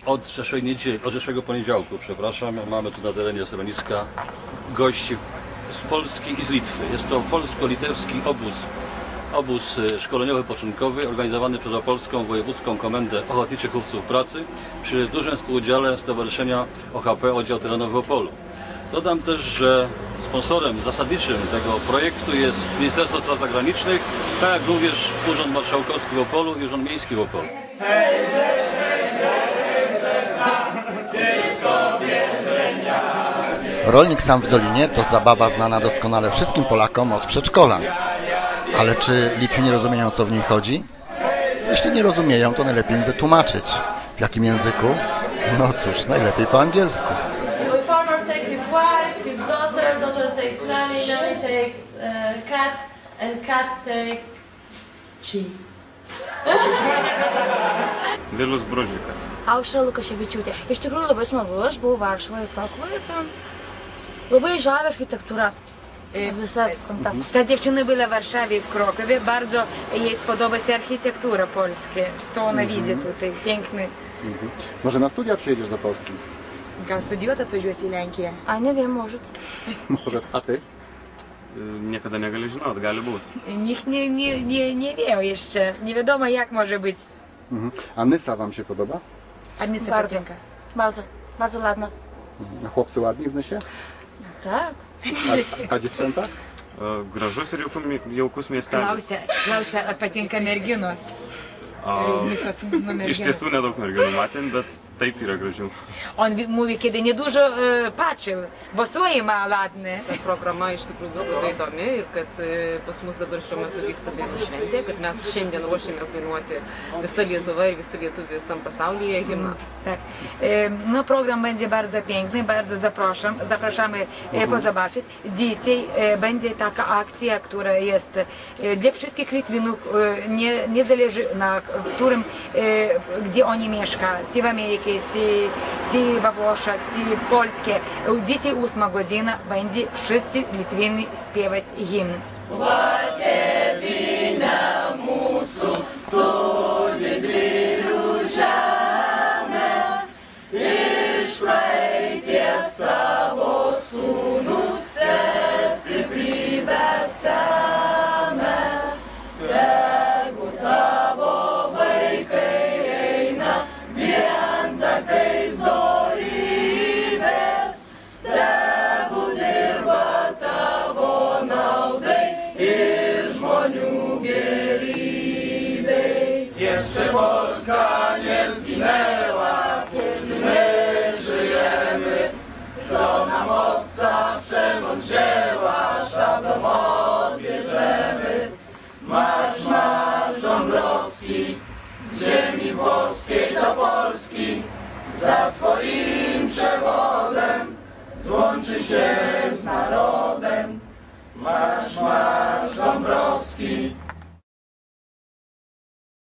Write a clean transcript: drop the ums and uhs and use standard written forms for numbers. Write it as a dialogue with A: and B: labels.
A: od zeszłej niedzieli, od zeszłego poniedziałku, przepraszam, mamy tu na terenie schroniska gości z Polski i z Litwy. Jest to polsko-litewski obóz szkoleniowy poczynkowy organizowany przez Opolską Wojewódzką Komendę Ochotniczych Chówców Pracy przy dużym współudziale Stowarzyszenia OHP Oddział Terenowy w Opolu. Dodam też, że sponsorem zasadniczym tego projektu jest Ministerstwo Spraw Zagranicznych, tak jak również Urząd Marszałkowski w Opolu i Urząd Miejski w Opolu.
B: Rolnik sam w Dolinie to zabawa znana doskonale wszystkim Polakom od przedszkola. Ale czy Litwy nie rozumieją, o co w niej chodzi? Jeśli nie rozumieją, to najlepiej im wytłumaczyć. W jakim języku? No cóż, najlepiej po angielsku.
C: Farmer takes his wife, his daughter, daughter takes nanny, nanny takes cat, and cat take cheese.
D: Vilius Bružikas.
E: Aušra Lukaševičiūtė. Iš tikrųjų labai smagu, aš buvau Varšuvoje, Krokuvoje ir ten labai žavi architektūra. Visa kontakta.
F: Ta dziewczyna była w Warszawie, w Krokowie. Bardzo jej spodoba się architektura polska. Co ona widzi tutaj, piękny.
B: Może na studia przyjedziesz do Polski?
F: Gal studijuot atvažiuosi į Lenkiją?
E: A nie wiem, może.
B: Może, a ty?
D: Niekada negali žinot, gali būti.
F: Nikt nie wie jeszcze. Nie wiadomo, jak może być.
B: A Nysa wam się podoba?
F: A nie sobie
E: Bardzo.
F: patinka.
E: Bardzo, bardzo ładna.
B: A chłopcy ładni w Nysie?
E: Tak.
B: A dziewczęta?
D: Gražus ir jaukus miestelis.
F: Klausia, ar patinka merginos. Nisos
D: Iš
F: merginos.
D: tiesų nedaug merginų matėm, bet taip yra gražių.
F: On mówi, kiedy niedużo patrzył, bo swoje ma ładne.
G: Ta programa iš tikrųjų bus labai įdomi ir kad pas mus dabar šiuo metu vyksta dainų šventė, kad mes šiandien ruošiamės dainuoti visa Lietuva ir visi lietuviai visam pasaulyje himną.
F: Tak. No program będzie bardzo piękny, bardzo zapraszamy pozobaczyć. Dzisiaj będzie taka akcja, która jest dla wszystkich Litwinów, nie zależy na którym, gdzie oni mieszkają, czy w Ameryce, czy we Włoszech, czy w Polsce. Dzisiaj 8 godzina będzie wszyscy Litwini śpiewać hymn.
H: Jeszcze Polska nie zginęła, kiedy my żyjemy. Co nam obca przemoc wzięła, szablą odbierzemy. Marsz, marsz Dąbrowski, z ziemi włoskiej do Polski. Za twoim przewodem złączy się z narodem. Marsz, marsz Dąbrowski.